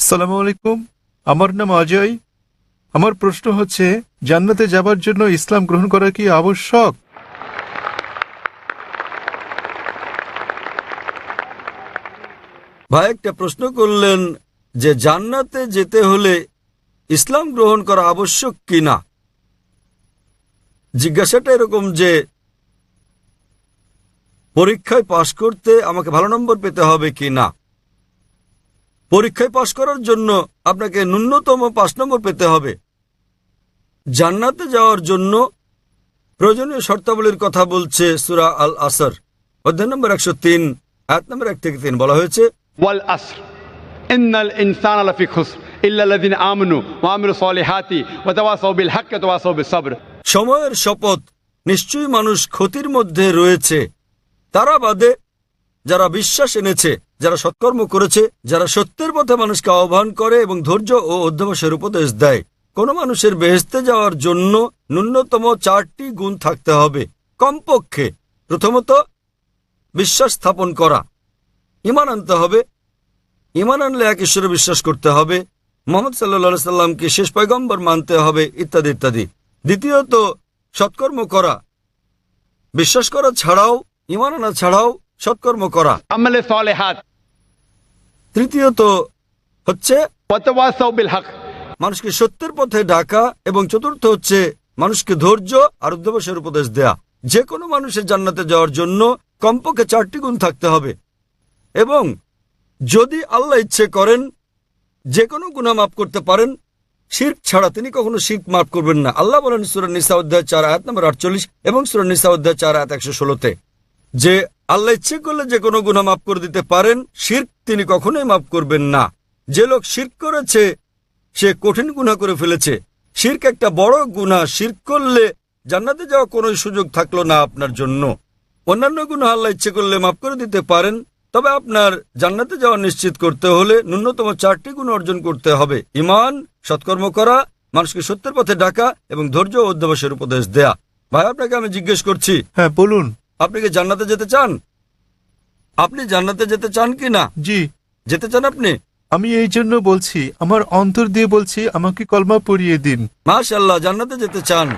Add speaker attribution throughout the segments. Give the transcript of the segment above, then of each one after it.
Speaker 1: আসসালামু আলাইকুম। আমার নাম অজয়। আমার প্রশ্ন হচ্ছে, জান্নাতে যাবার জন্য ইসলাম গ্রহণ করা কি আবশ্যক?
Speaker 2: ভাই একটা প্রশ্ন করলেন যে জান্নাতে যেতে হলে ইসলাম গ্রহণ করা আবশ্যক কিনা। জিজ্ঞাসাটা এরকম যে পরীক্ষায় পাশ করতে আমাকে ভালো নম্বর পেতে হবে কিনা। পরীক্ষায় পাশ করার জন্য আপনাকে ন্যূনতম 5 নম্বর পেতে হবে। জান্নাতে যাওয়ার জন্য প্রয়োজনীয় শর্তাবলীর কথা বলছে সূরা আল আসর অধ্যায় নম্বর 103 আয়াত নম্বর 1 থেকে 3 বলা হয়েছে,
Speaker 3: ওয়াল আসর ইন্নাল ইনসানা লাফি খুসর ইল্লা আল্লাযিনা আমানু ওয়া আমিলুস সলিহাতি ওয়া তাওয়াসাউ বিল হাক্কি ওয়া তাওয়াসাউ বিস সাবর।
Speaker 2: সময়ের শপথ, নিশ্চয়ই মানুষ ক্ষতির মধ্যে রয়েছে, তারা বাদে যারা বিশ্বাস এনেছে, যারা সৎকর্ম করেছে, যারা সত্যের পথে মানুষকে আহ্বান করে এবং ধৈর্য ও অধ্যবসায়ের উপদেশ দেয়। কোন মানুষের বেহেশতে যাওয়ার জন্য ন্যূনতম 4টি গুণ থাকতে হবে কমপক্ষে। প্রথমত, বিশ্বাস স্থাপন করা, ঈমান আনতে হবে। ঈমান আনলে এক ঈশ্বরে বিশ্বাস করতে হবে, মুহাম্মদ সাল্লাল্লাহু আলাইহি সাল্লামকে শেষ পয়গম্বর মানতে হবে, ইত্যাদি ইত্যাদি। দ্বিতীয়ত, সৎকর্ম করা, বিশ্বাস করা ছাড়াও, ঈমান আনা ছাড়াও সৎকর্ম করা।
Speaker 3: আমালে সলিহাত।
Speaker 2: তৃতীয়ত হচ্ছে
Speaker 3: ওয়া তাওয়াসাউ বিল হক,
Speaker 2: মানুষকে সত্যের পথে ডাকা। এবং চতুর্থ হচ্ছে মানুষকে ধৈর্য আর অধ্যবসায়ের উপদেশ দেয়া। যে কোনো মানুষের জান্নাতে যাওয়ার জন্য কমপক্ষে 4টি গুণ থাকতে হবে। এবং যদি আল্লাহ ইচ্ছে করেন যে কোনো গুনাহ মাফ করতে পারেন, শিরক ছাড়া তিনি কখনো শিরক মাফ করবেন না। আল্লাহ বলেন সূরা নিসা অধ্যায় 4 আয়াত নম্বর 48 এবং সূরা নিসা অধ্যায় 4 আয়াত 116-তে যে আল্লাহ ইচ্ছে করলে যে কোনো গুনাহ মাফ করে দিতে পারেন, শিরক তিনি কখনোই মাফ করবেন না। যে লোক শিরক করেছে সে কঠিন গুনাহ করে ফেলেছে। শিরক একটা বড় গুনাহ। শিরক করলে জান্নাতে যাওয়া কোনো সুযোগ থাকলো না আপনার জন্য। অন্যান্য গুনাহ আল্লাহ ইচ্ছে করলে মাফ করে দিতে পারেন, তবে আপনার জান্নাতে যাওয়া নিশ্চিত করতে হলে ন্যূনতম 4টি গুণ অর্জন করতে হবে: ঈমান, সৎকর্ম করা, মানুষকে সত্যের পথে ডাকা এবং ধৈর্য ও অধ্যবসায়ের উপদেশ দেয়া। ভাই, আপনাকে আমি জিজ্ঞেস করছি,
Speaker 1: হ্যাঁ, বলুন।
Speaker 2: আপনি কি জান্নাতে যেতে চান? আপনি জান্নাতে যেতে চান কি না?
Speaker 1: জি,
Speaker 2: যেতে চান আপনি?
Speaker 1: আমি এই জন্য বলছি, আমার অন্তর দিয়ে বলছি, আমাকে কলমা পড়িয়ে দিন।
Speaker 2: মাশাআল্লাহ, জান্নাতে যেতে চান।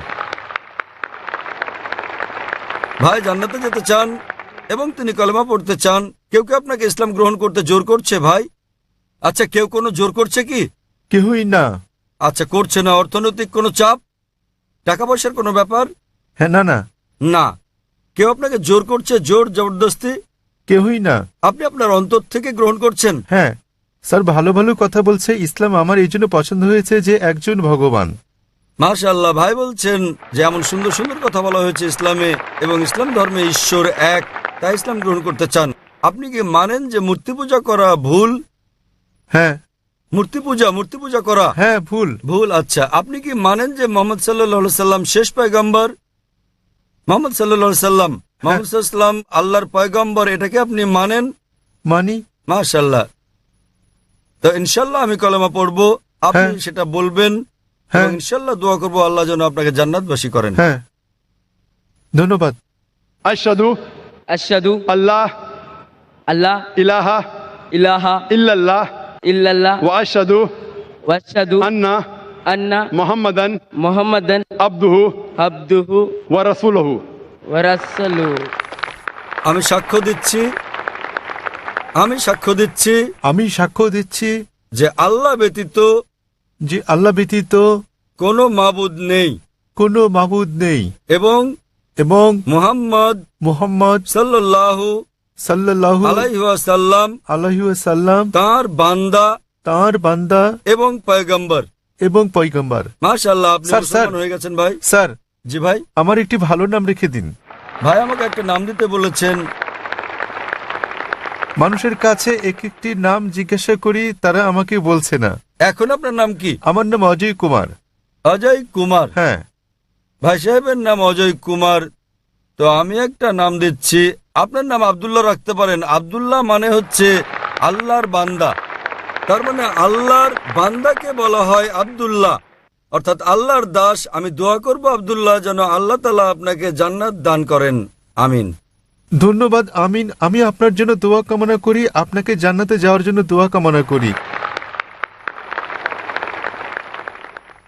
Speaker 2: ভাই জান্নাতে যেতে চান এবং তিনি কলেমা পড়তে চান। কেউ কেউ আপনাকে ইসলাম গ্রহণ করতে জোর করছে ভাই? আচ্ছা, কেউ কোনো জোর করছে কি?
Speaker 1: কেহই না।
Speaker 2: আচ্ছা, করছে না। অর্থনৈতিক কোনো চাপ, টাকা পয়সার কোনো ব্যাপার?
Speaker 1: হ্যাঁ, না না,
Speaker 2: না। কেউ আপনাকে জোর করছে, জোর জবরদস্তি?
Speaker 1: কেহই না।
Speaker 2: আপনি আপনার অন্তর থেকে গ্রহণ করছেন।
Speaker 1: হ্যাঁ স্যার, ভালো ভালো কথা বলছে। ইসলাম আমার এই জন্য পছন্দ হয়েছে যে একজন ভগবান।
Speaker 2: মাশাআল্লাহ, ভাই বলছেন যে এমন সুন্দর সুন্দর কথা বলা হয়েছে ইসলামে, এবং ইসলাম ধর্মে ঈশ্বর এক, তাই ইসলাম গ্রহণ করতে চান। আপনি কি মানেন যে মূর্তি পূজা করা ভুল?
Speaker 1: হ্যাঁ।
Speaker 2: মূর্তি পূজা করা
Speaker 1: হ্যাঁ, ভুল।
Speaker 2: ভুল। আচ্ছা, আপনি কি মানেন যে মোহাম্মদ সাল্লাল্লাহু আলাইহি সাল্লাম শেষ পয়গম্বর? মোহাম্মদ সাল্লাল্লাহু আলাইহি সাল্লাম, মোহাম্মদ সাল্লাল্লাহু আলাইহি সাল্লাম আল্লাহর পয়গম্বর, এটাকে আপনি মানেন?
Speaker 1: মানি।
Speaker 2: মাশাআল্লাহ। তো ইনশাআল্লাহ আমি কলেমা পড়বো, আপনি
Speaker 1: হ্যাঁ।
Speaker 2: সেটা বলবেন,
Speaker 1: হ্যাঁ।
Speaker 2: এবং ইনশাআল্লাহ দোয়া করবো আল্লাহ যেন আপনাকে জান্নাতবাসী করেন।
Speaker 1: হ্যাঁ, ধন্যবাদ।
Speaker 3: আশহাদু
Speaker 4: আশহাদু
Speaker 3: আল্লাহ
Speaker 4: আল্লাহ
Speaker 3: ইলাহা
Speaker 4: ইলাহা
Speaker 3: ইল্লাল্লাহ
Speaker 4: ইল্লাল্লাহ
Speaker 3: ওয়া আশহাদু
Speaker 4: ওয়া আশহাদু
Speaker 3: আন্না
Speaker 4: আন্না
Speaker 3: মুহাম্মাদান
Speaker 4: মুহাম্মাদান
Speaker 3: আবদুহু
Speaker 4: আবদুহু
Speaker 3: ওয়া রাসূলুহু।
Speaker 4: ওয়া রাসূলুহু।
Speaker 2: আমি সাক্ষ্য দিচ্ছি
Speaker 1: আমি সাক্ষ্য দিচ্ছি
Speaker 2: যে আল্লাহ ব্যতীত
Speaker 1: যে আল্লাহ ব্যতীত
Speaker 2: কোনো মাবুদ নেই,
Speaker 1: কোনো মাবুদ নেই,
Speaker 2: এবং
Speaker 1: এবং
Speaker 2: মুহাম্মদ
Speaker 1: মুহাম্মদ
Speaker 2: সাল্লাল্লাহু
Speaker 1: সাল্লাল্লাহু
Speaker 2: আলাইহি ওয়াসাল্লাম
Speaker 1: আলাইহি ওয়াসাল্লাম
Speaker 2: তাঁর বান্দা
Speaker 1: তাঁর বান্দা
Speaker 2: এবং পয়গম্বর।
Speaker 1: এবং পয়গম্বর।
Speaker 2: মাশাআল্লাহ, আপনি
Speaker 1: স্যার,
Speaker 2: মুসলমান হয়ে গেছেন ভাই।
Speaker 1: স্যার,
Speaker 2: জি ভাই।
Speaker 1: আমার একটি ভালো নাম রেখে দিন।
Speaker 2: ভাই আমাকে একটা নাম দিতে বলেছেন।
Speaker 1: মানুষের কাছে এক একটি নাম জিজ্ঞাসা করি, তারা আমাকে বলছে না।
Speaker 2: এখন আপনার নাম কি?
Speaker 1: আমার নাম অজয় কুমার।
Speaker 2: অজয় কুমার।
Speaker 1: হ্যাঁ।
Speaker 2: ভাই সাহেবের নাম অজয় কুমার, তো আমি একটা নাম দিচ্ছি। আপনার নাম আব্দুল্লাহ রাখতে পারেন। আব্দুল্লাহ মানে হচ্ছে আল্লাহর বান্দা, তার মানে আল্লাহর বান্দাকে বলা হয় আব্দুল্লাহ, অর্থাৎ আল্লাহর দাস। আমি দোয়া করব আব্দুল্লাহ যেন আল্লাহ তাআলা আপনাকে জান্নাত দান করেন। আমিন।
Speaker 1: ধন্যবাদ। আমিন। আমি আপনার জন্য দোয়া কামনা করি, আপনাকে জান্নাতে যাওয়ার জন্য দোয়া কামনা করি।